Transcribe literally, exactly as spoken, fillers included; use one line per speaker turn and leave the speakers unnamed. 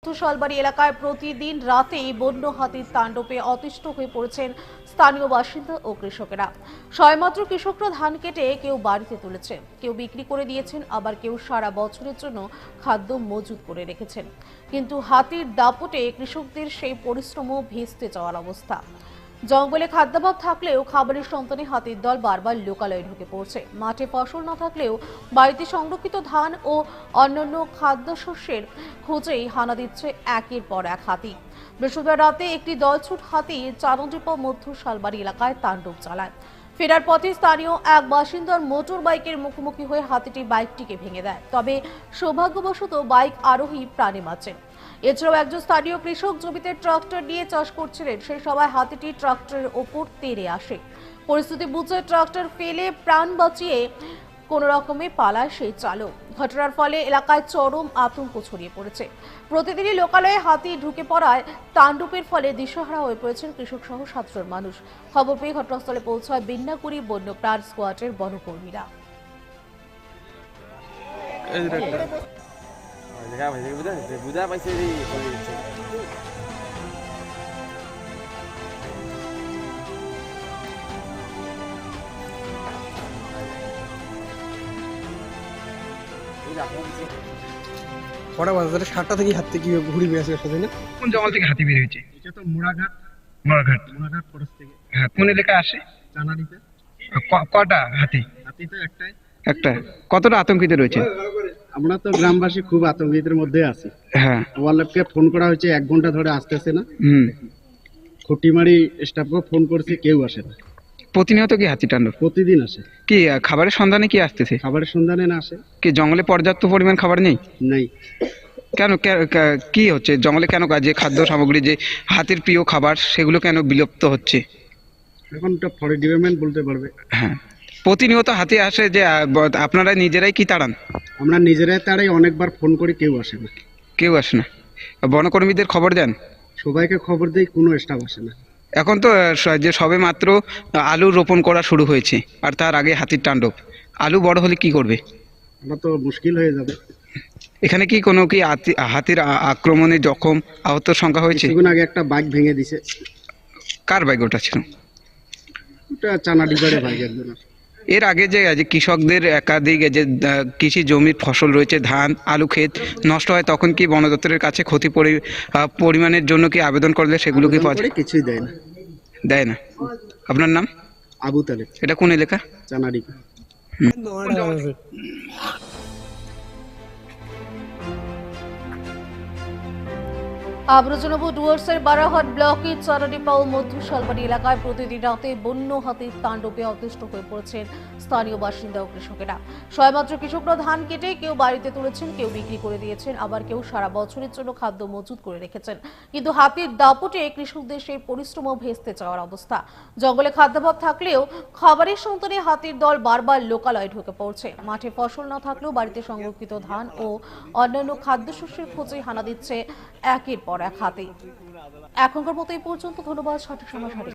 মধ্যশালবাড়ি এলাকায় প্রতিদিন রাতেই বন্য হাতির তাণ্ডবে অতিষ্ঠ হয়ে পড়েছেন স্থানীয় বাসিন্দা ও কৃষকেরা। সবেমাত্র কৃষকরা ধান কেটে কেউ বাড়িতে তুলেছেন, কেউ বিক্রি করে দিয়েছেন, আবার কেউ সারা বছরের জন্য খাদ্য মজুত করে রেখেছেন। কিন্তু হাতির দাপটে কৃষকদের সেই পরিশ্রমও ভেস্তে যাওয়ার অবস্থা। জঙ্গলে খাদ্যাভাব থাকলেও খাবারের সন্তানে হাতির দল বারবার লোকালয়ে ঢুকে পড়ছে। মাঠে ফসল না থাকলেও বাড়িতে সংরক্ষিত ধান ও অন্যান্য খাদ্যশস্যের খোঁজেই হানা দিচ্ছে একের পর এক হাতি। বৃহস্পতিবার রাতে একটি দলছুট হাতি চারণডিপা মধ্য শালবাড়ি এলাকায় তাণ্ডব চালায়। ফেরার পথে স্থানীয় এক বাসিন্দার মোটর বাইকের মুখোমুখি হয়ে হাতিটি বাইকটিকে ভেঙে দেয়। তবে সৌভাগ্যবশত বাইক আরোহী প্রাণে বাঁচেন। এছাড়াও একজন স্থানীয় কৃষক জমিতে ট্রাক্টর নিয়ে চাষ করছিলেন, সেই সময় হাতিটি ট্রাক্টরের ওপর তেড়ে আসে। পরিস্থিতি বুঝে ট্রাক্টর ফেলে প্রাণ বাঁচিয়ে কোন রকমে পালায় সেই চালক। ঘটনার ফলে এলাকায় চরম আতঙ্ক ছড়িয়ে পড়েছে। প্রতিদিনই লোকালয়ে হাতি ঢুকে পড়ায় তাণ্ডবের ফলে দিশেহারা হয়ে পড়েছেন কৃষক সহ সাতজন মানুষ। খবর পেয়ে ঘটনাস্থলে পৌঁছায় বিন্নাকুড়ি বন্যপ্রাণ স্কোয়াডের বনকর্মীরা।
বুঝা পাইছে
কটা বাজে তাহলে সাতটা থেকে হাত থেকে ঘুরি বেড়েছে সাথে না?
কোন জঙ্গল থেকে হাতি বের হয়েছে?
এটা তো মোড়াঘাট
মোড়াঘাট
মোড়াঘাট ফরেস্ট থেকে।
হ্যাঁ, কোন এলাকায় আসে?
চানাডিতে
ক- কটা হাতি?
হাতি তো একটাই।
একটা। কতটা আতঙ্কিত রয়েছে?
আমরা তো গ্রামবাসী খুব আতঙ্কিতের মধ্যে আছি।
হ্যাঁ।
ওয়ারলেফকে ফোন করা হয়েছে, এক ঘন্টা ধরে আসতেছে না।
হুম।
খুঁটিমারি স্টাফকে ফোন করছি, কেউ আসে না।
প্রতিনিয়ত কি হাতি তাণ্ডব?
প্রতিদিন আসে।
কি আহ, খাবারের সন্ধানে কি আসতেছে?
খাবারের সন্ধানে না আসে।
কি জঙ্গলে পর্যাপ্ত পরিমাণ খাবার নেই?
নাই।
কেন কে- কে- কি হচ্ছে জঙ্গলে? কেন যে খাদ্য সামগ্রী, যে হাতির প্রিয় খাবার, সেগুলো কেন বিলুপ্ত হচ্ছে?
এখন তো ফরেস্ট ডিপার্টমেন্ট বলতে পারবে।
হ্যাঁ, প্রতিনিয়ত হাতি আসে যে আহ, ব- আপনারা নিজেরাই কি তাড়ান?
আমরা নিজেরাই তারাই অনেকবার ফোন করি, কেউ আসে না।
কেউ আসে না? বনকর্মীদের খবর দেন?
সবাইকে খবর দেই, কোনো স্টাফ আসে না।
এখন তো আহ, স- যে সবে মাত্র আলু রোপণ করা শুরু হয়েছে, আর তার আগে হাতির তাণ্ডব। আলু বড় হলে কি করবে?
আমরা তো মুশকিল হয়ে যাবে।
এখানে কি কোনো কি হাতি- হাতির আ- আক্রমণে জখম আহতর সংখ্যা হয়েছে?
কিছুক্ষণ আগে একটা বাইক ভেঙে দিছে।
কার বাইক ওটা ছিল?
ওটা চানাডিপাড়ে বাইক একজনের।
এর আগে যে যে কৃষকদের একাধিক যে আহ, কৃষি জমির ফসল রয়েছে, ধান আলু ক্ষেত নষ্ট হয়, তখন কি বন দপ্তরের কাছে ক্ষতি পরি আহ, পরিমাণের জন্য কি আবেদন করলে সেগুলো কি পাওয়া
আবেদন
যায়?
করে কিছুই দেয় না।
দেয় না। আপনার নাম?
আবু তালেব,
এটা কোন এলাকা?
চানাডিপা।
আবারও জানাবো, ডুয়ার্সের বারাহাট ব্লকের চারণডিপা ও মধ্য শালবাড়ি এলাকায় প্রতিদিন রাতে বন্য হাতির তাণ্ডবে অতিষ্ঠ হয়ে পড়েছেন স্থানীয় বাসিন্দা ও কৃষকেরা। সবেমাত্র কৃষকরা ধান কেটে কেউ বাড়িতে তুলেছেন, কেউ বিক্রি করে দিয়েছেন, আবার কেউ সারা বছরের জন্য খাদ্য মজুত করে রেখেছেন। কিন্তু হাতির দাপটে কৃষকদের সেই পরিশ্রমও ভেস্তে যাওয়ার অবস্থা। জঙ্গলে খাদ্যাভাব থাকলেও খাবারের সন্তানে হাতির দল বারবার লোকালয়ে ঢুকে পড়ছে। মাঠে ফসল না থাকলেও বাড়িতে সংরক্ষিত ধান ও অন্যান্য খাদ্যশস্যের খোঁজে হানা দিচ্ছে একের পর এক হাতি। এখনকার মতো এই পর্যন্ত। ধন্যবাদ। সঠিক সময় সঠিক